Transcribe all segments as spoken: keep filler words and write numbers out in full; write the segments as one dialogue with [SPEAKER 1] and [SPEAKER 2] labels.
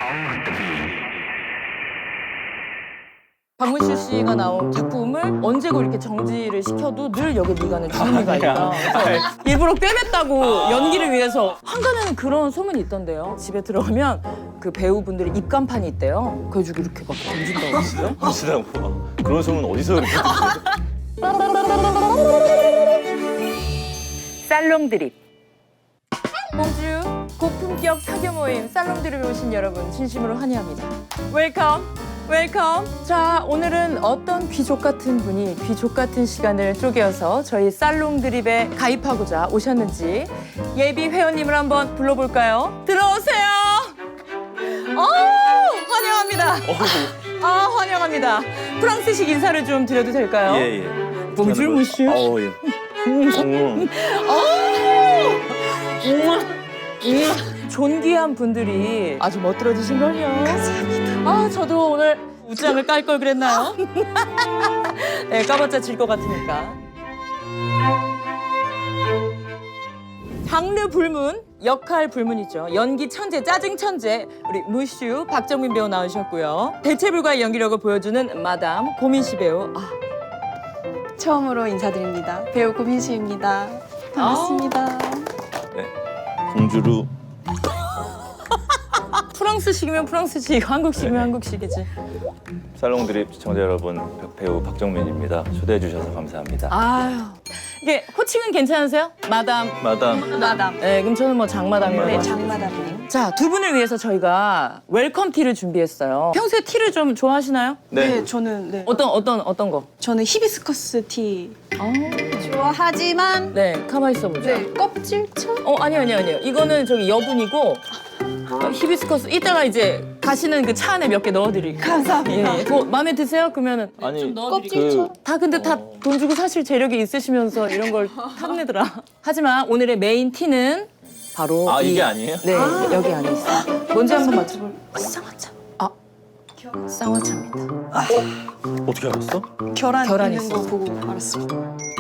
[SPEAKER 1] 박문실 씨가 나온 작품을 언제고 이렇게 정지를 시켜도 늘 여기 미간에 주름이가 있다. 그래서 일부러 꿰맸다고 연기를 위해서. 한간에는 그런 소문이 있던데요. 집에 들어가면 그 배우분들이 입간판이 있대요. 그래가지고 이렇게 막 던진다고 했어요.
[SPEAKER 2] 하시라고. 그런 소문 어디서 그렇게 듣지?
[SPEAKER 1] 살롱 드립. 공주 고품격 사교 모임 살롱 드립에 오신 여러분 진심으로 환영합니다. 웰컴. 웰컴. 자, 오늘은 어떤 귀족 같은 분이 귀족 같은 시간을 쪼개어서 저희 살롱 드립에 가입하고자 오셨는지 예비 회원님을 한번 불러볼까요? 들어오세요. 어, 환영합니다. 아, 환영합니다. 프랑스식 인사를 좀 드려도 될까요?
[SPEAKER 2] 예, 예.
[SPEAKER 1] 봉줄 무슈.
[SPEAKER 2] 어, 예. 음.
[SPEAKER 1] 존귀한 분들이 아주 멋들어지신걸요. 감사합니다. 아, 저도 오늘 웃장을 깔 걸 그랬나요? 네, 까봤자 질 것 같으니까. 장르 불문, 역할 불문이죠. 연기 천재, 짜증 천재, 우리 무슈 박정민 배우 나오셨고요. 대체 불가의 연기력을 보여주는 마담 고민씨 배우. 아,
[SPEAKER 3] 처음으로 인사드립니다. 배우 고민수입니다. 반갑습니다.
[SPEAKER 2] 네. 공주루.
[SPEAKER 1] 프랑스식이면 프랑스식, 한국식이면
[SPEAKER 2] 네.
[SPEAKER 1] 한국식이지.
[SPEAKER 2] 살롱 드립 시청자 여러분, 배우 박정민입니다. 초대해 주셔서 감사합니다.
[SPEAKER 1] 아유, 이게 호칭은 괜찮으세요? 마담.
[SPEAKER 2] 마담.
[SPEAKER 3] 마담.
[SPEAKER 1] 네, 그럼 저는 뭐 장마담이라고.
[SPEAKER 3] 네,
[SPEAKER 1] 하시고.
[SPEAKER 3] 장마담님.
[SPEAKER 1] 자, 두 분을 위해서 저희가 웰컴 티를 준비했어요. 평소에 티를 좀 좋아하시나요?
[SPEAKER 3] 네.
[SPEAKER 2] 네.
[SPEAKER 3] 저는 네.
[SPEAKER 1] 어떤 어떤 어떤 거?
[SPEAKER 3] 저는 히비스커스 티
[SPEAKER 1] 어,
[SPEAKER 3] 좋아하지만
[SPEAKER 1] 네, 가만 있어 보자.
[SPEAKER 3] 네, 껍질처럼
[SPEAKER 1] 어, 아니요, 아니요, 아니요. 이거는 저기 여분이고 어, 히비스커스 이따가 이제 가시는 그 차 안에 몇 개 넣어드릴게요.
[SPEAKER 3] 감사합니다.
[SPEAKER 1] 예, 예. 뭐 마음에 드세요? 그러면은
[SPEAKER 2] 아니,
[SPEAKER 3] 껍질처럼.
[SPEAKER 1] 다 근데 다 돈 주고 사실 재력이 있으시면서 이런 걸 탐내더라. 하지만 오늘의 메인 티는 바로
[SPEAKER 2] 아,
[SPEAKER 1] 이-
[SPEAKER 2] 이게 아니에요?
[SPEAKER 1] 네, 여기 안에 있어요. 뭔지 한번 맞춰볼.
[SPEAKER 3] 쌍화차.
[SPEAKER 1] 아, 쌍화차입니다.
[SPEAKER 2] 어떻게 알았어?
[SPEAKER 3] 계란,
[SPEAKER 1] 계란
[SPEAKER 3] 있는 거
[SPEAKER 1] 있어요.
[SPEAKER 3] 보고 알았습니다.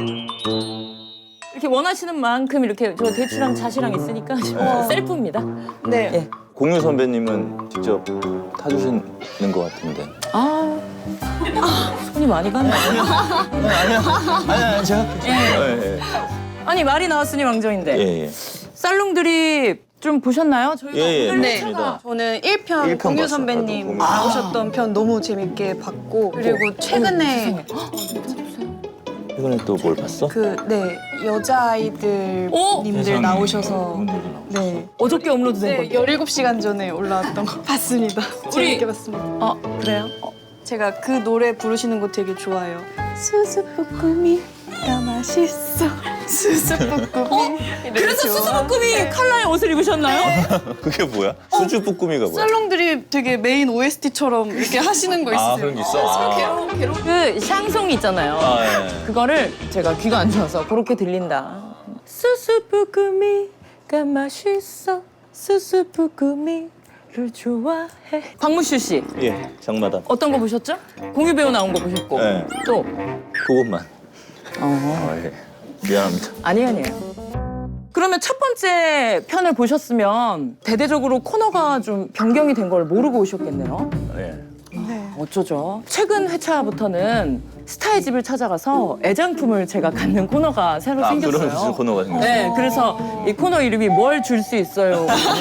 [SPEAKER 1] 이렇게 원하시는 만큼 이렇게 저 대추랑 잣이랑 있으니까 셀프입니다.
[SPEAKER 3] 네.
[SPEAKER 1] 예.
[SPEAKER 2] 공유 선배님은 직접 타주시는 것 같은데.
[SPEAKER 1] 아, 손이 많이 갔네.
[SPEAKER 2] 아니야, 아니야, 제가. 예, 예.
[SPEAKER 1] 아니 말이 나왔으니 왕정인데
[SPEAKER 2] 예, 예.
[SPEAKER 1] 살롱들이 좀 보셨나요? 저희가
[SPEAKER 2] 예, 예.
[SPEAKER 1] 오늘
[SPEAKER 3] 네.
[SPEAKER 2] 맞습니다.
[SPEAKER 3] 저는 일 편
[SPEAKER 2] 일 편
[SPEAKER 3] 공유
[SPEAKER 2] 봤어요.
[SPEAKER 3] 선배님
[SPEAKER 2] 나도 공유.
[SPEAKER 3] 나오셨던 편 너무 재밌게 봤고 그리고 최근에
[SPEAKER 2] 최근에 또 뭘 봤어?
[SPEAKER 3] 그 네 여자아이들
[SPEAKER 1] 오!
[SPEAKER 3] 님들
[SPEAKER 2] 세상에.
[SPEAKER 3] 나오셔서
[SPEAKER 2] 그분들이 나오셔서.
[SPEAKER 3] 네.
[SPEAKER 1] 어저께 업로드된
[SPEAKER 3] 네,
[SPEAKER 1] 건데.
[SPEAKER 3] 열일곱 시간 전에 올라왔던 거 봤습니다. 재밌게 봤습니다.
[SPEAKER 1] 어, 그래요? 어,
[SPEAKER 3] 제가 그 노래 부르시는 거 되게 좋아해요. 수수부꾸미가 맛있어. 수수부꾸미.
[SPEAKER 1] 그래서 수수부꾸미 컬러의 옷을 입으셨나요?
[SPEAKER 2] 그게 뭐야? 수주 쁘꾸미가 뭐야?
[SPEAKER 3] 살롱들이 되게 메인 오에스티처럼 이렇게 하시는 거 있으세요?
[SPEAKER 2] 아, 그런 게 있어? 아,
[SPEAKER 1] 그 샹송이 있잖아요.
[SPEAKER 2] 아, 예.
[SPEAKER 1] 그거를 제가 귀가 안 좋아서 그렇게 들린다. 수수부꾸미가 맛있어. 수수부꾸미를 좋아해. 박문슈 씨,
[SPEAKER 2] 예, 장마담.
[SPEAKER 1] 어떤 거 보셨죠? 공유 배우 나온 거 보셨고.
[SPEAKER 2] 네.
[SPEAKER 1] 또?
[SPEAKER 2] 그것만.
[SPEAKER 1] 어.
[SPEAKER 2] 아, 예. 미안합니다.
[SPEAKER 1] 아니에요, 아니에요. 그러면 첫 번째 편을 보셨으면 대대적으로 코너가 좀 변경이 된 걸 모르고 오셨겠네요.
[SPEAKER 2] 예.
[SPEAKER 3] 네.
[SPEAKER 1] 어쩌죠? 최근 회차부터는 스타의 집을 찾아가서 애장품을 제가 갖는 코너가 새로
[SPEAKER 2] 아,
[SPEAKER 1] 생겼어요.
[SPEAKER 2] 그런 무슨 코너가 생겼어?
[SPEAKER 1] 네, 그래서 이 코너 이름이 뭘 줄 수 있어요.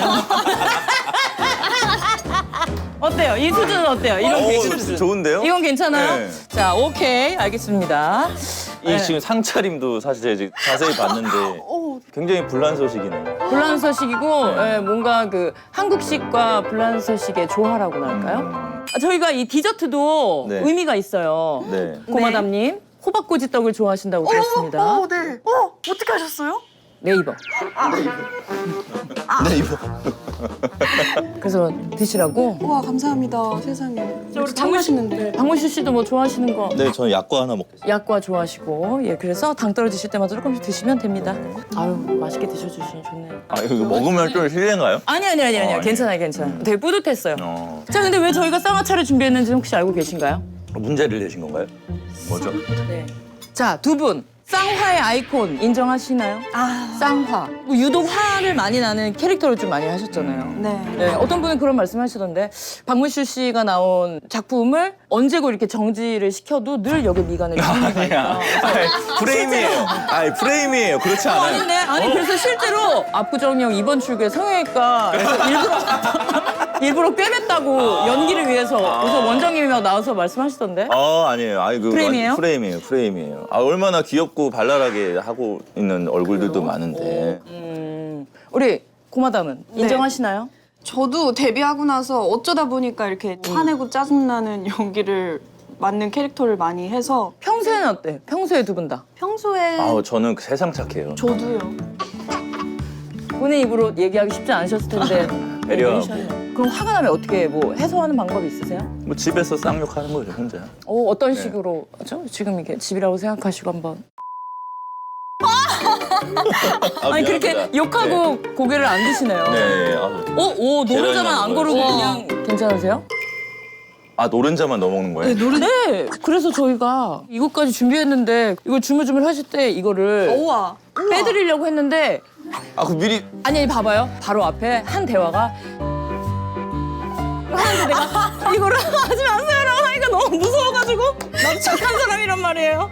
[SPEAKER 1] 어때요? 이 수준은 어때요? 이런
[SPEAKER 2] 오,
[SPEAKER 1] 개그 수준.
[SPEAKER 2] 좋은데요?
[SPEAKER 1] 이건 괜찮아요?
[SPEAKER 2] 네.
[SPEAKER 1] 자, 오케이, 알겠습니다.
[SPEAKER 2] 이
[SPEAKER 1] 네.
[SPEAKER 2] 지금 상차림도 사실 제가 지금 자세히 봤는데
[SPEAKER 3] 오,
[SPEAKER 2] 굉장히 불란서식이네요.
[SPEAKER 1] 불란서식이고 예, 뭔가 그 한국식과 불란서식의 조화라고 할까요?
[SPEAKER 2] 음,
[SPEAKER 1] 아, 저희가 이 디저트도
[SPEAKER 2] 네.
[SPEAKER 1] 의미가 있어요.
[SPEAKER 2] 네.
[SPEAKER 1] 고마담님, 호박꼬지떡을 좋아하신다고 들었습니다.
[SPEAKER 3] 어, 네. 어, 어떻게 하셨어요?
[SPEAKER 1] 네이버.
[SPEAKER 2] 네, 이거.
[SPEAKER 1] 그래서 드시라고.
[SPEAKER 3] 우와, 감사합니다. 세상에.
[SPEAKER 1] 우리
[SPEAKER 3] 참 맛있는데.
[SPEAKER 1] 박문실 씨도 뭐 좋아하시는 거
[SPEAKER 2] 네, 저는 약과 하나 먹겠습니다.
[SPEAKER 1] 약과 좋아하시고 예 그래서 당 떨어지실 때마다 조금씩 드시면 됩니다. 아유 맛있게 드셔주시니 좋네요.
[SPEAKER 2] 아, 이거 먹으면 좀 실례인가요?
[SPEAKER 1] 아니 아니 아니 아니
[SPEAKER 2] 어,
[SPEAKER 1] 요 괜찮아요 괜찮아요. 되게 뿌듯했어요.
[SPEAKER 2] 어.
[SPEAKER 1] 자 근데 왜 저희가 쌍화차를 준비했는지 혹시 알고 계신가요?
[SPEAKER 2] 문제를 내신 건가요? 뭐죠?
[SPEAKER 1] 네. 자 두 분 쌍화의 아이콘 인정하시나요?
[SPEAKER 3] 아,
[SPEAKER 1] 쌍화. 뭐 유독 화를 많이 나는 캐릭터를 좀 많이 하셨잖아요.
[SPEAKER 3] 네.
[SPEAKER 1] 네, 어떤 분은 그런 말씀하시던데 박문수 씨가 나온 작품을 언제고 이렇게 정지를 시켜도 늘 역의 미간을 지우는
[SPEAKER 2] 아니야. 아니, 프레임이에요. 아니, 프레임이에요. 그렇지 않아요.
[SPEAKER 1] 아닌데? 아니 그래서 실제로 압구정역 이번 출구에 성형외과에서 일부러 일부러 꿰맸다고 연기를 위해서 그래서 원장님이 막 나와서 말씀하시던데.
[SPEAKER 2] 아, 아니에요. 아니, 그
[SPEAKER 1] 프레임이에요?
[SPEAKER 2] 완전 프레임이에요. 프레임이에요. 아, 얼마나 귀엽고 발랄하게 하고 있는 얼굴들도 많은데.
[SPEAKER 1] 음, 우리 고마담은
[SPEAKER 3] 네.
[SPEAKER 1] 인정하시나요?
[SPEAKER 3] 저도 데뷔하고 나서 어쩌다 보니까 이렇게 화내고 짜증나는 연기를 맡는 캐릭터를 많이 해서
[SPEAKER 1] 평소에는 어때? 평소에 두 분 다.
[SPEAKER 3] 평소에
[SPEAKER 2] 아, 저는 세상 착해요.
[SPEAKER 3] 저도요.
[SPEAKER 1] 본인 입으로 얘기하기 쉽지 않으셨을 텐데.
[SPEAKER 2] 배려하고.
[SPEAKER 1] 네, 그럼 화가 나면 어떻게 뭐 해소하는 방법이 있으세요?
[SPEAKER 2] 뭐 집에서 쌍욕하는 거죠, 혼자.
[SPEAKER 1] 어, 어떤
[SPEAKER 2] 네.
[SPEAKER 1] 식으로 하죠? 지금 이게 집이라고 생각하시고 한번.
[SPEAKER 2] 아,
[SPEAKER 1] 아니 그렇게
[SPEAKER 2] 미안합니다.
[SPEAKER 1] 욕하고 고개를 안 드시네요.
[SPEAKER 2] 네. 네. 아,
[SPEAKER 1] 어, 오 노른자만 안
[SPEAKER 2] 계란이랑
[SPEAKER 1] 거르고
[SPEAKER 2] 먹어야지.
[SPEAKER 1] 그냥 괜찮으세요?
[SPEAKER 2] 아, 노른자만 넣어 먹는 거예요?
[SPEAKER 1] 네. 그래서 저희가 이것까지 준비했는데 이걸 주물주물 하실 때 이거를
[SPEAKER 3] 우와.
[SPEAKER 1] 빼드리려고 했는데
[SPEAKER 2] 아, 그 미리
[SPEAKER 1] 아니 아니, 봐봐요. 바로 앞에 한 대화가 하는데 내가 이거를 하지 마세요라고 하니까 너무 무서워가지고 나도 착한 사람이란 말이에요.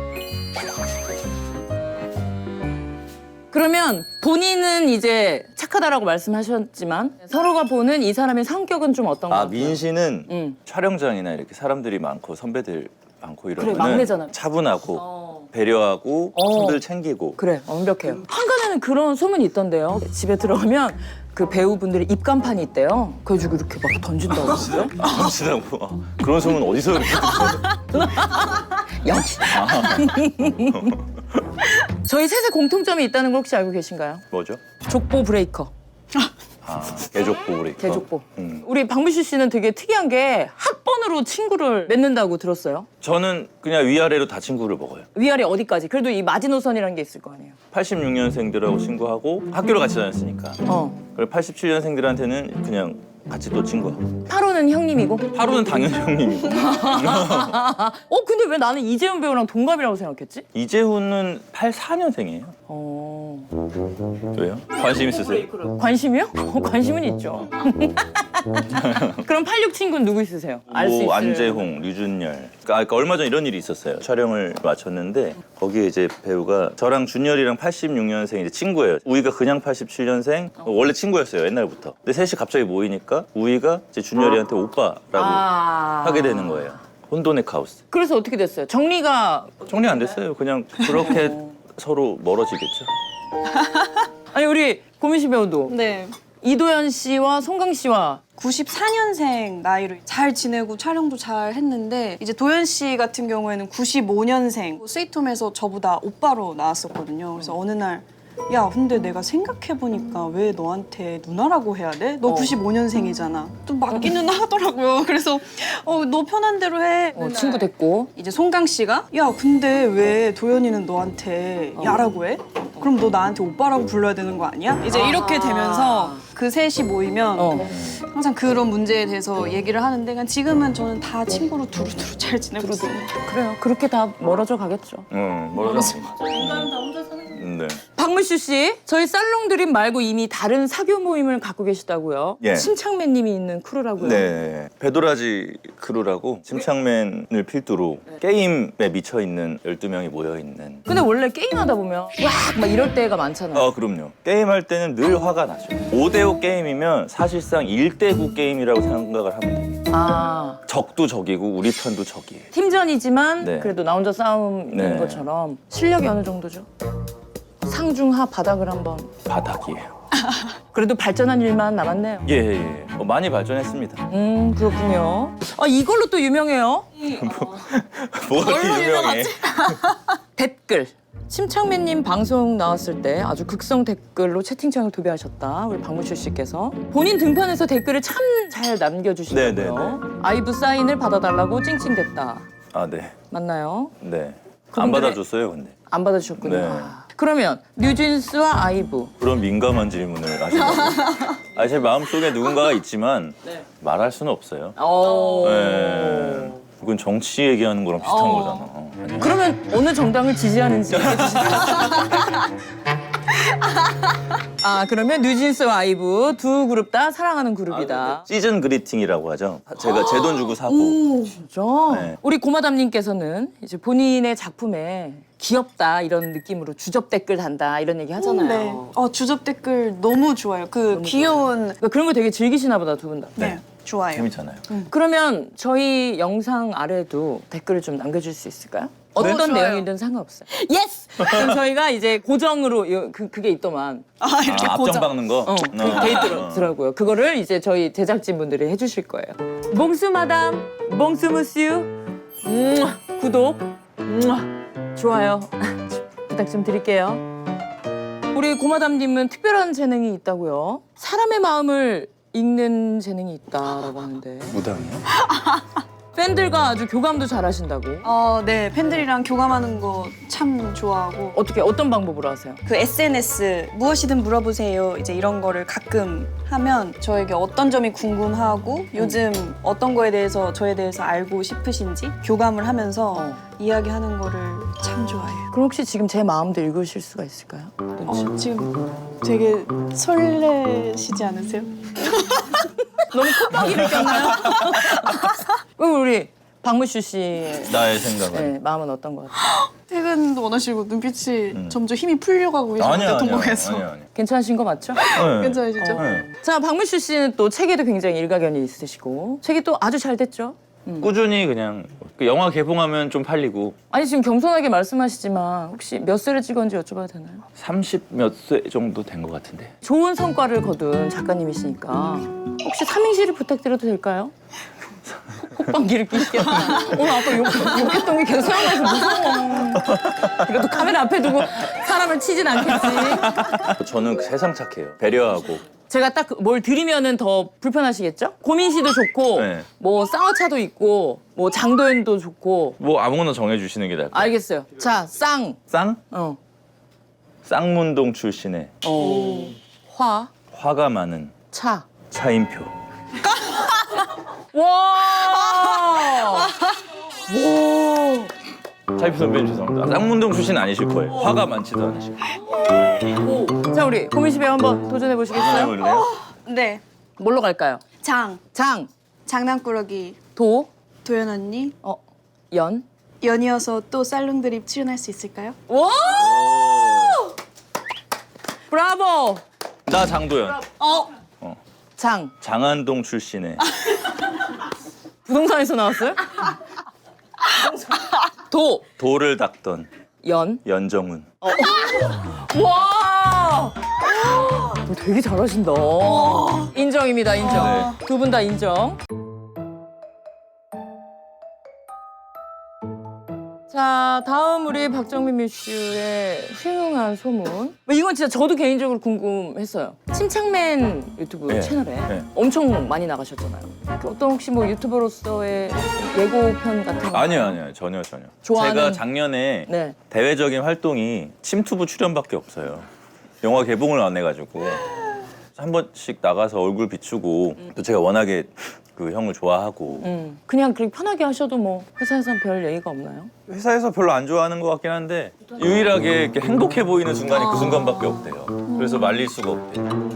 [SPEAKER 1] 그러면 본인은 이제 착하다라고 말씀하셨지만 서로가 보는 이 사람의 성격은 좀 어떤 것
[SPEAKER 2] 아,
[SPEAKER 1] 같아요?
[SPEAKER 2] 민 씨는
[SPEAKER 1] 응.
[SPEAKER 2] 촬영장이나 이렇게 사람들이 많고 선배들 많고
[SPEAKER 1] 그래,
[SPEAKER 2] 이러면
[SPEAKER 1] 막내잖아.
[SPEAKER 2] 차분하고
[SPEAKER 1] 어.
[SPEAKER 2] 배려하고
[SPEAKER 1] 어.
[SPEAKER 2] 손들 챙기고.
[SPEAKER 1] 그래 완벽해요. 한간에는 그런 소문이 있던데요. 집에 들어가면 그 배우분들의 입간판이 있대요. 그래가지고 이렇게 막 던진다고 했어요.
[SPEAKER 2] 아, 진짜고. 아, 그런 소문 어디서 이렇게 듣죠?
[SPEAKER 1] 역시. 저희 셋의 공통점이 있다는 걸 혹시 알고 계신가요?
[SPEAKER 2] 뭐죠?
[SPEAKER 1] 족보 브레이커.
[SPEAKER 2] 아, 개족보 우리.
[SPEAKER 1] 개족보.
[SPEAKER 2] 음.
[SPEAKER 1] 우리 박문수 씨는 되게 특이한 게 학번으로 친구를 맺는다고 들었어요.
[SPEAKER 2] 저는 그냥 위아래로 다 친구를 먹어요.
[SPEAKER 1] 위아래 어디까지? 그래도 이 마지노선이라는 게 있을 거 아니에요.
[SPEAKER 2] 팔십육 년생들하고 친구하고 학교를 같이 다녔으니까.
[SPEAKER 1] 어.
[SPEAKER 2] 그리고 팔십칠 년생들한테는 그냥 같이 또 친구하고.
[SPEAKER 1] 팔호는 형님이고.
[SPEAKER 2] 하루는 당연히 형님이고.
[SPEAKER 1] 어 근데 왜 나는 이재훈 배우랑 동갑이라고 생각했지?
[SPEAKER 2] 이재훈은 팔십사 년생이에요.
[SPEAKER 1] 어.
[SPEAKER 2] 왜요? 관심 있으세요?
[SPEAKER 1] 관심이요? 어, 관심은 있죠. 그럼 팔십육 친구는 누구 있으세요? 알 수 있어요.
[SPEAKER 2] 뭐 안재홍, 류준열. 그러니까, 그러니까 얼마 전 이런 일이 있었어요. 촬영을 마쳤는데 거기에 이제 배우가 저랑 준열이랑 팔십육 년생 이제 친구예요. 우이가 그냥 팔십칠 년생 원래 친구였어요 옛날부터. 근데 셋이 갑자기 모이니까 우이가 이제 준열이한테 오빠라고
[SPEAKER 1] 아.
[SPEAKER 2] 하게 되는 거예요. 혼돈의 카오스.
[SPEAKER 1] 그래서 어떻게 됐어요? 정리가
[SPEAKER 2] 정리 안 됐어요. 그냥 그렇게 서로 멀어지겠죠.
[SPEAKER 1] 아니 우리 고민씨 배우도
[SPEAKER 3] 네.
[SPEAKER 1] 이도현 씨와 송강 씨와
[SPEAKER 3] 구십사 년생 나이로 잘 지내고 촬영도 잘 했는데 이제 도현 씨 같은 경우에는 구십오 년생 스위트홈에서 저보다 오빠로 나왔었거든요. 그래서 어느 날 야 근데 내가 생각해보니까 왜 너한테 누나라고 해야 돼? 너
[SPEAKER 1] 어.
[SPEAKER 3] 구십오 년생이잖아. 또 맞기는 하더라고요. 그래서 어, 너 편한 대로 해.
[SPEAKER 1] 어, 친구 됐고
[SPEAKER 3] 이제 송강 씨가 야 근데 왜 도현이는 너한테 야라고 해? 그럼 너 나한테 오빠라고 불러야 되는 거 아니야? 이제 이렇게 되면서 그 셋이 모이면
[SPEAKER 1] 어.
[SPEAKER 3] 항상 그런 문제에 대해서 얘기를 하는데 그냥 지금은 저는 다 친구로 두루두루 잘 지내고 있어요.
[SPEAKER 1] 그래요. 그렇게 다 멀어져 가겠죠.
[SPEAKER 2] 응, 멀어져.
[SPEAKER 1] 인간은 다 혼자 사는 거.
[SPEAKER 2] 네.
[SPEAKER 1] 박문수 씨, 저희 살롱 드림 말고 이미 다른 사교 모임을 갖고 계시다고요.
[SPEAKER 2] 예.
[SPEAKER 1] 침착맨님이 있는 크루라고요.
[SPEAKER 2] 네, 배도라지 크루라고 침착맨을 필두로 게임에 미쳐 있는 열두 명이 모여 있는.
[SPEAKER 1] 근데 원래 게임하다 보면 와 막 이럴 때가 많잖아요.
[SPEAKER 2] 아, 그럼요. 게임할 때는 늘 화가 나죠. 오 대 오 게임이면 사실상 일 대 구 게임이라고 생각을 하면 돼요.
[SPEAKER 1] 아
[SPEAKER 2] 적도 적이고 우리 편도 적이에요.
[SPEAKER 1] 팀전이지만
[SPEAKER 2] 네.
[SPEAKER 1] 그래도 나 혼자 싸움인
[SPEAKER 2] 네.
[SPEAKER 1] 것처럼 실력이 어느 정도죠? 상중하 바닥을 한번.
[SPEAKER 2] 바닥이에요.
[SPEAKER 1] 그래도 발전한 일만 남았네요.
[SPEAKER 2] 예, 예, 예. 어, 많이 발전했습니다.
[SPEAKER 1] 음 그렇군요. 아 이걸로 또 유명해요.
[SPEAKER 2] 뭐가 그렇게 유명해?
[SPEAKER 1] 댓글. 침착맨님 방송 나왔을 때 아주 극성 댓글로 채팅창을 도배하셨다. 우리 박문철 씨께서 본인 등판에서 댓글을 참 잘 남겨주시더라고요.
[SPEAKER 2] 네, 네, 네.
[SPEAKER 1] 아이브 사인을 받아달라고 찡찡댔다.
[SPEAKER 2] 아, 네.
[SPEAKER 1] 맞나요?
[SPEAKER 2] 네. 안
[SPEAKER 1] 그분들의-
[SPEAKER 2] 받아줬어요, 근데.
[SPEAKER 1] 안 받아주셨군요.
[SPEAKER 2] 네.
[SPEAKER 1] 아. 그러면 뉴진스와 아이브.
[SPEAKER 2] 그런 민감한 질문을 하시더라고요. 아, 제 마음속에 누군가가 있지만
[SPEAKER 1] 네.
[SPEAKER 2] 말할 수는 없어요.
[SPEAKER 1] 오.
[SPEAKER 2] 네. 그건 정치 얘기하는 거랑 비슷한
[SPEAKER 3] 어.
[SPEAKER 2] 거잖아. 어. 아니야?
[SPEAKER 1] 그러면 어느 정당을 지지하는지 얘기해 주실까요? 아 그러면 뉴진스와 아이브 두 그룹 다 사랑하는 그룹이다.
[SPEAKER 2] 시즌 그리팅이라고 하죠. 제가 제 돈 주고 사고.
[SPEAKER 1] 진짜?
[SPEAKER 2] 네.
[SPEAKER 1] 우리 고마담님께서는 이제 본인의 작품에 귀엽다 이런 느낌으로 주접 댓글 단다 이런 얘기 하잖아요.
[SPEAKER 3] 네. 어, 주접 댓글 너무 좋아요. 그 귀여운
[SPEAKER 1] 그러니까 그런 거 되게 즐기시나 보다 두 분 다.
[SPEAKER 3] 네. 좋아요.
[SPEAKER 2] 재밌잖아요.
[SPEAKER 1] 그러면 저희 영상 아래도 댓글을 좀 남겨줄 수 있을까요? 어떤
[SPEAKER 3] 좋아요.
[SPEAKER 1] 내용이든 상관없어요. 예스! 그럼 저희가 이제 고정으로 요- 그, 그게 있더만
[SPEAKER 3] 아, 이렇게
[SPEAKER 2] 아, 앞전
[SPEAKER 3] 고정.
[SPEAKER 2] 박는 거?
[SPEAKER 1] 어, 그 돼 있더라고요. 그거를 이제 저희 제작진분들이 해주실 거예요. 몽수 마담, 몽수 무스유, 음, 구독, 음, 좋아요 부탁 좀 드릴게요. 우리 고마담님은 특별한 재능이 있다고요. 사람의 마음을 읽는 재능이 있다라고 하는데
[SPEAKER 2] 무당이요?
[SPEAKER 1] 팬들과 아주 교감도 잘하신다고.
[SPEAKER 3] 어, 네. 팬들이랑 교감하는 거 참 좋아하고
[SPEAKER 1] 어떻게 어떤 방법으로 하세요?
[SPEAKER 3] 그 에스엔에스 무엇이든 물어보세요. 이제 이런 거를 가끔 하면 저에게 어떤 점이 궁금하고 요즘 어떤 거에 대해서 저에 대해서 알고 싶으신지 교감을 하면서
[SPEAKER 1] 어.
[SPEAKER 3] 이야기하는 거를 참 좋아해요.
[SPEAKER 1] 그럼 혹시 지금 제 마음도 읽으실 수가 있을까요?
[SPEAKER 3] 어, 지금 되게 설레시지 않으세요?
[SPEAKER 1] 너무 콧방귀 느꼈나요? 그럼 우리 박무슈 씨의
[SPEAKER 2] 나의 생각은.
[SPEAKER 1] 네, 마음은 어떤 것 같아요?
[SPEAKER 3] 퇴근 원하시고 눈빛이
[SPEAKER 2] 음.
[SPEAKER 3] 점점 힘이 풀려가고 계시는데
[SPEAKER 2] 아니야, 아니야,
[SPEAKER 3] 동공에서.
[SPEAKER 2] 아니야, 아니야.
[SPEAKER 1] 괜찮으신 거 맞죠?
[SPEAKER 2] 네.
[SPEAKER 3] 괜찮으시죠?
[SPEAKER 2] 네.
[SPEAKER 1] 자, 박무슈 씨는 또 책에도 굉장히 일가견이 있으시고 책이 또 아주 잘 됐죠?
[SPEAKER 2] 꾸준히 그냥 그 영화 개봉하면 좀 팔리고
[SPEAKER 1] 아니 지금 겸손하게 말씀하시지만 혹시 몇 세를 찍었는지 여쭤봐도 되나요?
[SPEAKER 2] 삼십 몇 세 정도 된 것 같은데.
[SPEAKER 1] 좋은 성과를 거둔 작가님이시니까 혹시 삼행시를 부탁드려도 될까요? 콧방귀를 끼시겠다. 오늘 아까 욕, 욕했던 게 계속 생각나서 무서워. 그래도 카메라 앞에 두고 사람을 치진 않겠지.
[SPEAKER 2] 저는 세상 착해요. 배려하고.
[SPEAKER 1] 제가 딱 뭘 드리면은 더 불편하시겠죠? 고민시도 좋고
[SPEAKER 2] 네.
[SPEAKER 1] 뭐 쌍화차도 있고 뭐 장도연도 좋고
[SPEAKER 2] 뭐 아무거나 정해주시는 게 나을 것 같아요.
[SPEAKER 1] 알겠어요. 자, 쌍.
[SPEAKER 2] 쌍?
[SPEAKER 1] 어.
[SPEAKER 2] 쌍문동 출신의
[SPEAKER 1] 어. 화.
[SPEAKER 2] 화가 많은
[SPEAKER 1] 차.
[SPEAKER 2] 차인표.
[SPEAKER 1] 와! 와!
[SPEAKER 2] 차인표 선배님 죄송합니다. 쌍문동 출신 아니실 거예요. 화가 많지도 않으실 거예요.
[SPEAKER 1] 오. 자, 우리 고민 씨 배우 한번 도전해 보시겠어요?
[SPEAKER 2] 해볼래요?
[SPEAKER 3] 네.
[SPEAKER 1] 뭘로 갈까요?
[SPEAKER 3] 장,
[SPEAKER 1] 장,
[SPEAKER 3] 장난꾸러기,
[SPEAKER 1] 도,
[SPEAKER 3] 도연 언니,
[SPEAKER 1] 어, 연.
[SPEAKER 3] 연이어서 또 쌀롱 드립 출연할 수 있을까요?
[SPEAKER 1] 와! 브라보!
[SPEAKER 2] 나 장도연.
[SPEAKER 3] 어.
[SPEAKER 1] 장.
[SPEAKER 2] 장안동 출신의
[SPEAKER 1] 부동산에서 나왔어요? 도,
[SPEAKER 2] 돌을 닦던
[SPEAKER 1] 연.
[SPEAKER 2] 연정훈.
[SPEAKER 1] 와! 너 되게 잘하신다. 인정입니다, 인정. 두 분 다 인정. 자, 다음 우리 박정민 뮤슈의 훌륭한 소문. 뭐 이건 진짜 저도 개인적으로 궁금했어요. 침착맨 유튜브
[SPEAKER 2] 네,
[SPEAKER 1] 채널에
[SPEAKER 2] 네.
[SPEAKER 1] 엄청 많이 나가셨잖아요. 그 어떤 혹시 뭐 유튜버로서의 예고편 같은 거?
[SPEAKER 2] 아니요, 아니요. 전혀, 전혀.
[SPEAKER 1] 좋아하는-
[SPEAKER 2] 제가 작년에
[SPEAKER 1] 네.
[SPEAKER 2] 대외적인 활동이 침투부 출연밖에 없어요. 영화 개봉을 안 해가지고 한 번씩 나가서 얼굴 비추고 또 제가 워낙에 그 형을 좋아하고
[SPEAKER 1] 음, 그냥 그렇게 편하게 하셔도 뭐 회사에선 별 얘기가 없나요?
[SPEAKER 2] 회사에서 별로 안 좋아하는 것 같긴 한데 유일하게 이렇게 행복해 보이는 순간이 그 순간밖에 없대요. 그래서 말릴 수가 없대요.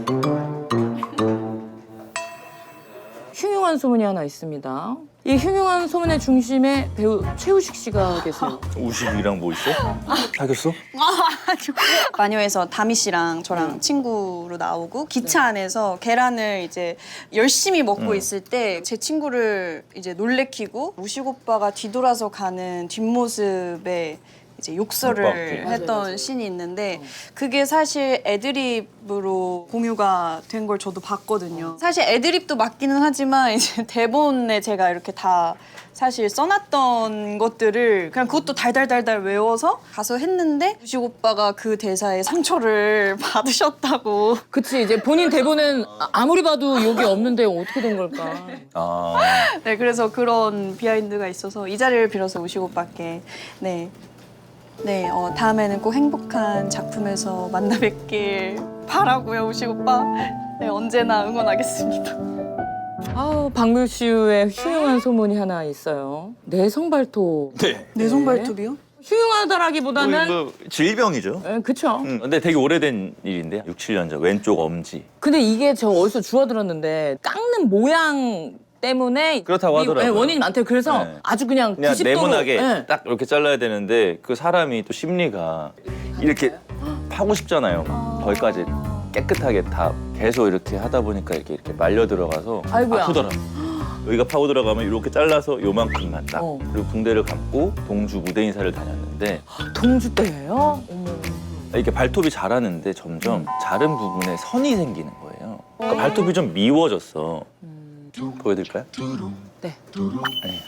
[SPEAKER 1] 흉흉한 소문이 하나 있습니다. 이 흉흉한 소문의 중심에 배우 최우식 씨가 계세요.
[SPEAKER 2] 우식이랑 뭐 있어? 사귀었어?
[SPEAKER 3] 마녀에서 다미 씨랑 저랑 친구로 나오고 기차 안에서 계란을 이제 열심히 먹고
[SPEAKER 2] 음.
[SPEAKER 3] 있을 때 제 친구를 이제 놀래키고 우식 오빠가 뒤돌아서 가는 뒷모습에 이제 욕설을
[SPEAKER 2] 오빠.
[SPEAKER 3] 했던
[SPEAKER 1] 맞아요.
[SPEAKER 3] 씬이 있는데 그게 사실 애드립으로 공유가 된 걸 저도 봤거든요. 사실 애드립도 맞기는 하지만 이제 대본에 제가 이렇게 다 사실 써놨던 것들을 그냥 그것도 달달달달 외워서 가서 했는데 우식 오빠가 그 대사에 상처를 받으셨다고.
[SPEAKER 1] 그치, 이제 본인 대본은 아- 아무리 봐도 욕이 없는데 어떻게 된 걸까?
[SPEAKER 2] 아,
[SPEAKER 3] 네, 그래서 그런 비하인드가 있어서 이 자리를 빌어서 우식 오빠께 네. 네, 어, 다음에는 꼭 행복한 작품에서 만나 뵙길 바라고요, 우식 오빠. 네, 언제나 응원하겠습니다.
[SPEAKER 1] 아우, 박물슈의 흉흉한 소문이 하나 있어요. 내성 발톱.
[SPEAKER 2] 네.
[SPEAKER 3] 내성 발톱이요?
[SPEAKER 1] 흉흉하다라기보다는
[SPEAKER 2] 뭐, 질병이죠.
[SPEAKER 1] 예, 그쵸.
[SPEAKER 2] 음, 근데 되게 오래된 일인데 육, 칠 년 전 왼쪽 엄지.
[SPEAKER 1] 근데 이게 저 어디서 주워들었는데 깎는 모양 때문에
[SPEAKER 2] 그렇다고
[SPEAKER 1] 이-
[SPEAKER 2] 하더라고요.
[SPEAKER 1] 예, 원인이 많대요. 그래서
[SPEAKER 2] 네.
[SPEAKER 1] 아주 그냥
[SPEAKER 2] 그냥
[SPEAKER 1] 구십 도로
[SPEAKER 2] 네모나게
[SPEAKER 1] 예.
[SPEAKER 2] 딱 이렇게 잘라야 되는데 그 사람이 또 심리가 이렇게 파고 싶잖아요. 거기까지 깨끗하게 다 계속 이렇게 하다 보니까 이렇게 이렇게 말려 들어가서
[SPEAKER 1] 아이고야.
[SPEAKER 2] 아프더라고. 여기가 파고 들어가면 이렇게 잘라서 요만큼만 딱.
[SPEAKER 1] 어.
[SPEAKER 2] 그리고 붕대를 감고 동주 무대 인사를 다녔는데
[SPEAKER 1] 동주 때예요? 어머.
[SPEAKER 2] 이렇게 발톱이 자라는데 점점 자른 부분에 선이 생기는 거예요. 그러니까 발톱이 좀 미워졌어. 보여드릴까요?
[SPEAKER 1] 네.
[SPEAKER 2] 아니,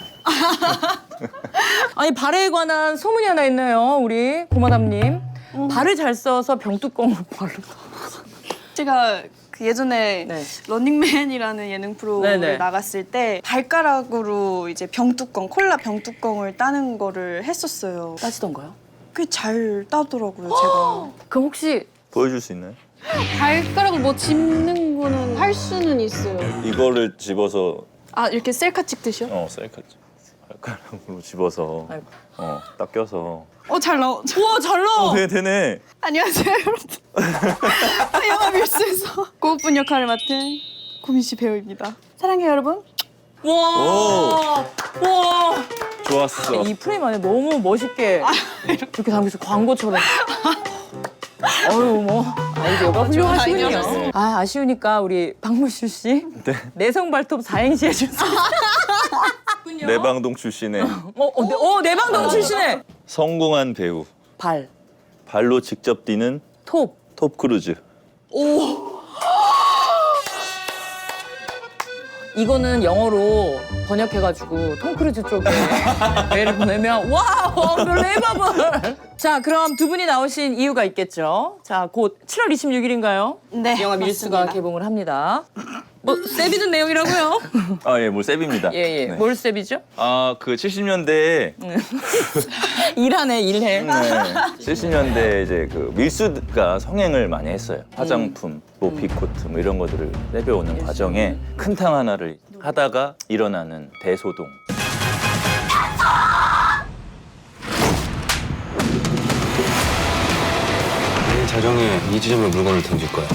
[SPEAKER 1] 아니 발에 관한 소문이 하나 있네요. 우리 고마담님. 발을 잘 써서 병뚜껑으로 발로.
[SPEAKER 3] 제가 그 예전에
[SPEAKER 1] 네.
[SPEAKER 3] 런닝맨이라는 예능 프로를
[SPEAKER 1] 네네.
[SPEAKER 3] 나갔을 때 발가락으로 이제 병뚜껑, 콜라 병뚜껑을 따는 거를 했었어요.
[SPEAKER 1] 따지던가요?
[SPEAKER 3] 꽤 잘 따더라고요, 제가.
[SPEAKER 1] 그럼 혹시
[SPEAKER 2] 보여줄 수 있나요?
[SPEAKER 3] 발가락을 뭐 짚는 거는 할 수는 있어요.
[SPEAKER 2] 이거를 집어서
[SPEAKER 3] 아, 이렇게 셀카 찍듯이요?
[SPEAKER 2] 어 셀카 발가락으로 집어서
[SPEAKER 1] 아이고.
[SPEAKER 2] 어 딱 껴서
[SPEAKER 3] 어, 잘 나오.
[SPEAKER 1] 우와 잘 나와.
[SPEAKER 2] 어, 되네 되네.
[SPEAKER 3] 안녕하세요, 여러분. 영화 밀수에서 고우픈 역할을 맡은 고민 씨 배우입니다. 사랑해요, 여러분.
[SPEAKER 1] 와. 와.
[SPEAKER 2] 좋았어.
[SPEAKER 1] 이 프레임 안에 너무 멋있게 이렇게 담겨서 광고처럼. 어유 뭐 아이디어가 훌륭하시군요.
[SPEAKER 3] 아이디어셨어요.
[SPEAKER 1] 아 아쉬우니까 우리 박물슈 씨
[SPEAKER 2] 네.
[SPEAKER 1] 내성 발톱 사행시 해주세요.
[SPEAKER 2] 내방동 출신의
[SPEAKER 1] 어, 어, 내, 어 내방동 출신의
[SPEAKER 2] 성공한 배우.
[SPEAKER 1] 발,
[SPEAKER 2] 발로 직접 뛰는
[SPEAKER 1] 톱.
[SPEAKER 2] 톱 크루즈.
[SPEAKER 1] 이거는 영어로 번역해가지고 톰 크루즈 쪽에 메일을 보내면 와우 언빌리버블. 자 그럼 두 분이 나오신 이유가 있겠죠. 자 곧 칠월 이십육일인가요?
[SPEAKER 3] 네,
[SPEAKER 1] 영화 밀수가
[SPEAKER 3] 맞습니다.
[SPEAKER 1] 개봉을 합니다. 뭐 세비든 내용이라고요?
[SPEAKER 2] 아, 예, 뭘 셉입니다.
[SPEAKER 1] 예예.
[SPEAKER 2] 네.
[SPEAKER 1] 뭘 세비죠?
[SPEAKER 2] 아, 그 칠십 년대에
[SPEAKER 1] 일하네 일해.
[SPEAKER 2] 네. 칠십 년대 이제 그 밀수가 성행을 많이 했어요. 화장품, 뭐 비코트 뭐 이런 것들을 내려오는 과정에 큰 탕 하나를 하다가 일어나는 대소동.
[SPEAKER 4] 내 자정에 이 지점에 물건을 던질 거야.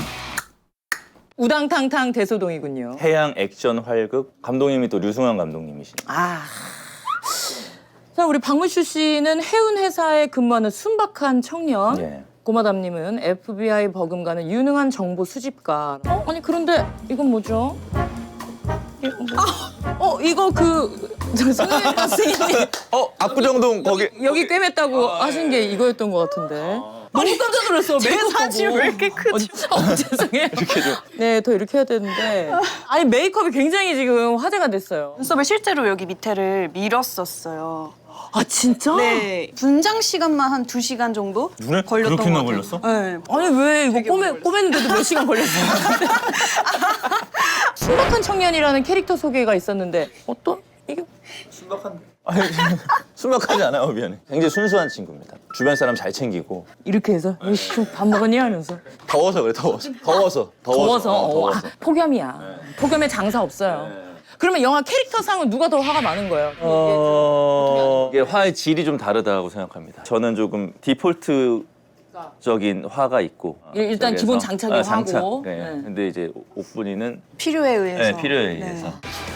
[SPEAKER 1] 우당탕탕 대소동이군요.
[SPEAKER 2] 해양 액션 활극 감독님이 또 류승환 감독님이시네.
[SPEAKER 1] 아. 자 우리 박문슈 씨는 해운 회사에 근무하는 순박한 청년.
[SPEAKER 2] 예.
[SPEAKER 1] 고마담님은 에프비아이 버금가는 유능한 정보 수집가. 어? 아니 그런데 이건 뭐죠? 이거 뭐- 어 이거 그 손흥민 선생님이
[SPEAKER 2] 어, 압구정동 거기
[SPEAKER 1] 여기 꿰맸다고 하신 게 이거였던 것 같은데. 너무 깜짝 놀랐어.
[SPEAKER 3] 제
[SPEAKER 1] 메이크업
[SPEAKER 3] 사진
[SPEAKER 1] 보고.
[SPEAKER 3] 왜 이렇게 크죠?
[SPEAKER 1] 어, 어, 죄송해요. 이렇게 좀. 네, 더 이렇게 해야 되는데. 아니 메이크업이 굉장히 지금 화제가 됐어요.
[SPEAKER 3] 눈썹을 실제로 여기 밑에를 밀었었어요.
[SPEAKER 1] 아 진짜?
[SPEAKER 3] 네, 분장 시간만 한 두 시간 정도
[SPEAKER 2] 눈에
[SPEAKER 3] 걸렸던
[SPEAKER 2] 그렇게나
[SPEAKER 3] 것 같아요.
[SPEAKER 2] 걸렸어?
[SPEAKER 3] 네.
[SPEAKER 1] 아니 왜 이거
[SPEAKER 3] 되게
[SPEAKER 1] 꼬매,
[SPEAKER 3] 오래
[SPEAKER 1] 꼬맸는데도 몇 시간 걸렸어요? 순박한 청년이라는 캐릭터 소개가 있었는데 어떤? 이게
[SPEAKER 2] 아니, 순박하지 않아요, 미안해. 굉장히 순수한 친구입니다. 주변 사람 잘 챙기고
[SPEAKER 1] 이렇게 해서 이씨 밥 먹었니 하면서
[SPEAKER 2] 더워서 그래, 더워서. 더워서.
[SPEAKER 1] 더워서,
[SPEAKER 2] 어,
[SPEAKER 1] 어,
[SPEAKER 2] 더워서.
[SPEAKER 1] 아, 폭염이야. 폭염에 장사 없어요. 그러면 영화 캐릭터상은 누가 더 화가 많은 거예요?
[SPEAKER 2] 어... 이게 화의 질이 좀 다르다고 생각합니다. 저는 조금 디폴트적인 화가 있고
[SPEAKER 1] 일- 일단
[SPEAKER 2] 그래서-
[SPEAKER 1] 기본 장착이
[SPEAKER 2] 장착.
[SPEAKER 1] 화고.
[SPEAKER 2] 네.
[SPEAKER 1] 네.
[SPEAKER 2] 근데 이제 옥분이는
[SPEAKER 3] 필요에 의해서.
[SPEAKER 2] 네, 필요에
[SPEAKER 3] 네.
[SPEAKER 2] 의해서.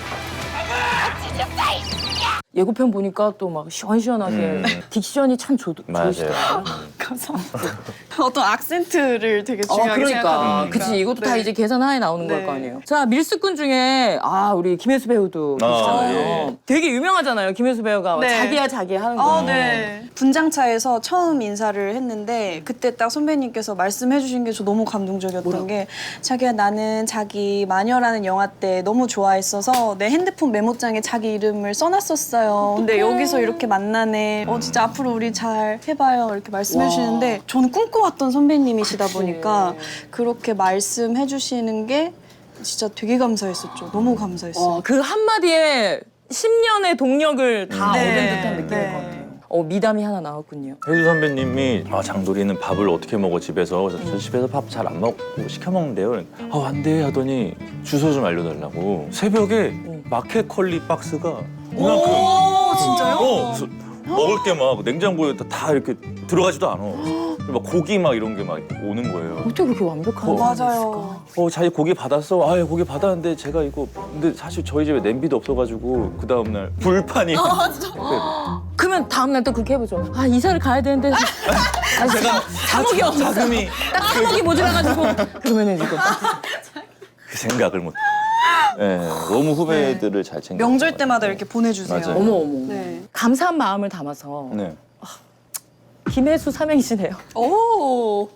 [SPEAKER 1] 예고편 보니까 또 막 시원시원하게
[SPEAKER 2] 음.
[SPEAKER 1] 딕션이 참 좋,
[SPEAKER 2] 맞아요.
[SPEAKER 1] 좋으시더라고요.
[SPEAKER 3] 감사합니다. 어떤 악센트를 되게
[SPEAKER 1] 어,
[SPEAKER 3] 중요하게
[SPEAKER 1] 그러니까.
[SPEAKER 3] 생각하니까.
[SPEAKER 1] 그치, 이것도 다
[SPEAKER 3] 네.
[SPEAKER 1] 이제 계산하에 나오는 걸
[SPEAKER 3] 네.
[SPEAKER 1] 거 아니에요. 자, 밀수꾼 중에, 아, 우리 김혜수 배우도
[SPEAKER 2] 아,
[SPEAKER 1] 계시잖아요.
[SPEAKER 2] 예.
[SPEAKER 1] 되게 유명하잖아요, 김혜수 배우가.
[SPEAKER 3] 네.
[SPEAKER 1] 자기야, 자기야 하는 거.
[SPEAKER 3] 아, 네. 분장차에서 처음 인사를 했는데 그때 딱 선배님께서 말씀해 주신 게 저 너무 감동적이었던 게 자기야 나는 자기 마녀라는 영화 때 너무 좋아했어서 내 핸드폰 메모장에 자기 이름을 써놨었어요. 근데 여기서 이렇게 만나네. 어 진짜 앞으로 우리 잘 해봐요. 이렇게 말씀해
[SPEAKER 1] 와.
[SPEAKER 3] 주시는데 저는 꿈꿔왔던 선배님이시다 보니까 그렇게 말씀해 주시는 게 진짜 되게 감사했었죠. 너무 감사했어요.
[SPEAKER 1] 어, 그 한마디에 십 년의 동력을 다
[SPEAKER 3] 네.
[SPEAKER 1] 얻은 듯한 느낌일
[SPEAKER 3] 네.
[SPEAKER 1] 것 같아요. 어, 미담이 하나 나왔군요.
[SPEAKER 2] 혜주 선배님이 아, 장도리는 밥을 어떻게 먹어 집에서. 그래서 저 집에서 밥 잘 안 먹고 시켜 먹는데요. 아, 안 돼 하더니 주소 좀 알려달라고. 새벽에 마켓컬리 박스가 그만큼.
[SPEAKER 3] 오, 진짜요?
[SPEAKER 2] 어, 그래서 먹을 게 막 냉장고에 다 이렇게 들어가지도 않아. 막 고기 막 이런 게 막 오는 거예요.
[SPEAKER 1] 어떻게 그렇게 완벽한
[SPEAKER 2] 어,
[SPEAKER 1] 사람이
[SPEAKER 3] 맞아요.
[SPEAKER 2] 어, 자기 고기 받았어. 아, 고기 받았는데 제가 이거 근데 사실 저희 집에 냄비도 없어가지고 그 다음 날 불판이.
[SPEAKER 1] 있을까? 그러면 다음 날 또 그렇게 해보죠. 아, 이사를 가야 되는데. 아, 제가 사목이 없어.
[SPEAKER 2] 자금이
[SPEAKER 1] 딱 사목이 모자라가지고. 그러면은 이거.
[SPEAKER 2] 그 생각을 못. 예, 너무 후배들을 잘 챙겨.
[SPEAKER 3] 명절 때마다 이렇게 보내주세요.
[SPEAKER 2] 맞아요.
[SPEAKER 1] 어머, 어머.
[SPEAKER 3] 네.
[SPEAKER 1] 감사한 마음을 담아서
[SPEAKER 2] 네.
[SPEAKER 1] 김혜수 삼행시네요.
[SPEAKER 3] 오.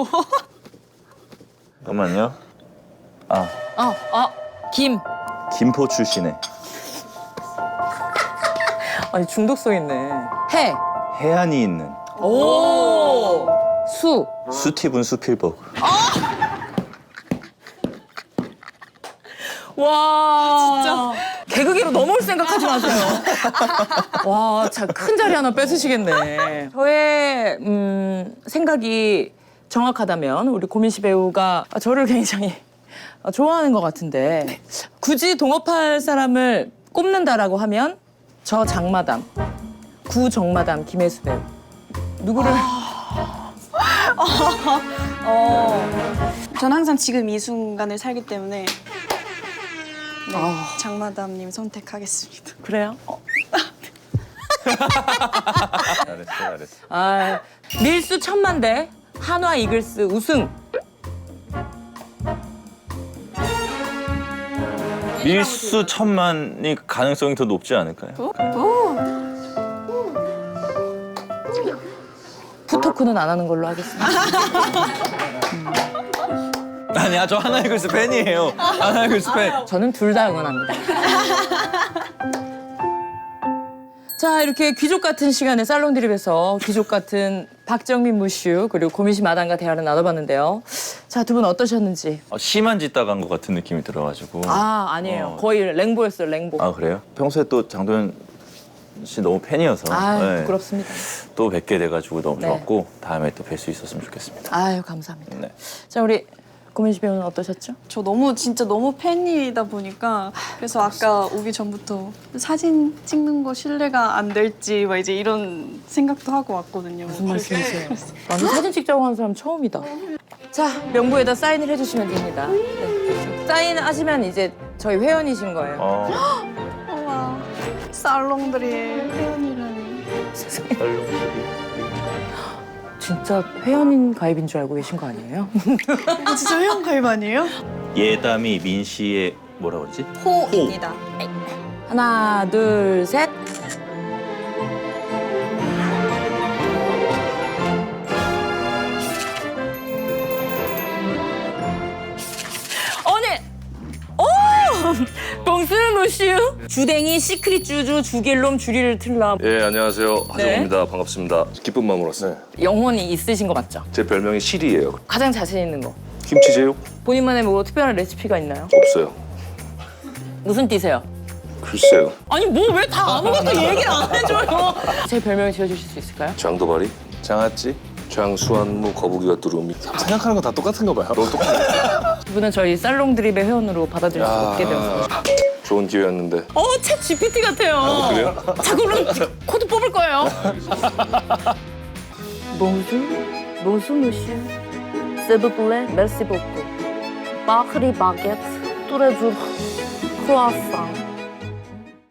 [SPEAKER 2] 잠깐만요. 아,
[SPEAKER 1] 아, 아, 김.
[SPEAKER 2] 김포 출신의
[SPEAKER 1] 아니, 중독성 있네. 해.
[SPEAKER 2] 해안이 있는
[SPEAKER 1] 오. 수.
[SPEAKER 2] 스티븐 스필버그.
[SPEAKER 1] 와. 진짜. 개그계로 넘어올 생각하지 마세요. 와, 참 큰 자리 하나 뺏으시겠네. 저의 음, 생각이 정확하다면 우리 고민씨 배우가 저를 굉장히 좋아하는 것 같은데 굳이 동업할 사람을 꼽는다라고 하면 저 장마담, 구정마담 김혜수 배우 누구를
[SPEAKER 3] 어. 전 항상 지금 이 순간을 살기 때문에 네,
[SPEAKER 1] 아.
[SPEAKER 3] 장마담님 선택하겠습니다.
[SPEAKER 1] 그래요?
[SPEAKER 2] 잘했어, 잘했어.
[SPEAKER 1] 아, 밀수 천만대 한화 이글스 우승.
[SPEAKER 2] 밀수 천만이 가능성이 더 높지 않을까요?
[SPEAKER 1] 푸토크는 안 하는 걸로 하겠습니다.
[SPEAKER 2] 아니야, 저 하나이글스 팬이에요. 하나이글스 팬.
[SPEAKER 1] 저는 둘 다 응원합니다. 자, 이렇게 귀족 같은 시간에 살롱 드립에서 귀족 같은 박정민 무슈 그리고 고민씨 마담과 대화를 나눠봤는데요. 자, 두 분 어떠셨는지.
[SPEAKER 2] 어, 심한 짓 당한 것 같은 느낌이 들어가지고.
[SPEAKER 1] 아, 아니에요.
[SPEAKER 2] 어.
[SPEAKER 1] 거의 랭보였어요, 랭보.
[SPEAKER 2] 아, 그래요? 평소에 또 장도연 씨 너무 팬이어서
[SPEAKER 1] 아유,
[SPEAKER 2] 네.
[SPEAKER 1] 부끄럽습니다.
[SPEAKER 2] 또 뵙게 돼가지고 너무
[SPEAKER 1] 네.
[SPEAKER 2] 좋았고 다음에 또 뵐 수 있었으면 좋겠습니다.
[SPEAKER 1] 아유, 감사합니다.
[SPEAKER 2] 네.
[SPEAKER 1] 자, 우리 고민씨 배우는 어떠셨죠?
[SPEAKER 3] 저 너무 진짜 너무 팬이다 보니까 그래서 아까 오기 전부터 사진 찍는 거 신뢰가 안 될지 막 이제 이런 생각도 하고 왔거든요.
[SPEAKER 1] 무슨 말씀이세요? 나는 사진 찍자고 하는 사람 처음이다. 자, 명부에다 사인을 해주시면 됩니다. 네. 사인하시면 이제 저희 회원이신 거예요.
[SPEAKER 2] 어,
[SPEAKER 3] 우와, 살롱들이 회원이라니.
[SPEAKER 1] 진짜 회원인 가입인 줄 알고 계신 거 아니에요?
[SPEAKER 3] 이거 진짜 회원 가입 아니에요?
[SPEAKER 2] 예담이 민 씨의 뭐라 그러지?
[SPEAKER 3] 호입니다.
[SPEAKER 1] 하나, 둘, 셋. 오늘 오! 봉스무슈 주댕이 시크릿 주주 주길롬 주리를 틀라
[SPEAKER 5] 예, 안녕하세요. 하정우입니다. 반갑습니다. 기쁜 마음으로 왔어요.
[SPEAKER 1] 영혼이 있으신 거 맞죠?
[SPEAKER 5] 제 별명이 실이에요.
[SPEAKER 1] 가장 자신 있는 거
[SPEAKER 5] 김치제육?
[SPEAKER 1] 본인만의 뭐 특별한 레시피가 있나요?
[SPEAKER 5] 없어요.
[SPEAKER 1] 무슨 띠세요?
[SPEAKER 5] 글쎄요.
[SPEAKER 1] 아니 뭐 왜 다 아무것도 얘기를 안 해줘요? 제 별명을 지어주실 수 있을까요?
[SPEAKER 5] 장도발이?
[SPEAKER 2] 장아찌?
[SPEAKER 5] 장수한무 거북이가 뚜루미.
[SPEAKER 6] 생각하는 건 다 똑같은가 봐요.
[SPEAKER 5] 너 똑같네.
[SPEAKER 1] 두 분은 저희 살롱 드립의 회원으로 받아들일 수 없게 되었습니다.
[SPEAKER 5] 좋은 기회였는데.
[SPEAKER 1] 어, 챗 지피티 같아요.
[SPEAKER 5] 그래요?
[SPEAKER 1] 자, 그럼 코드 뽑을 거예요. Bonjour, bonjour monsieur. S'il vous plaît, merci beaucoup. Bakri baguette, tous les jours, croissant.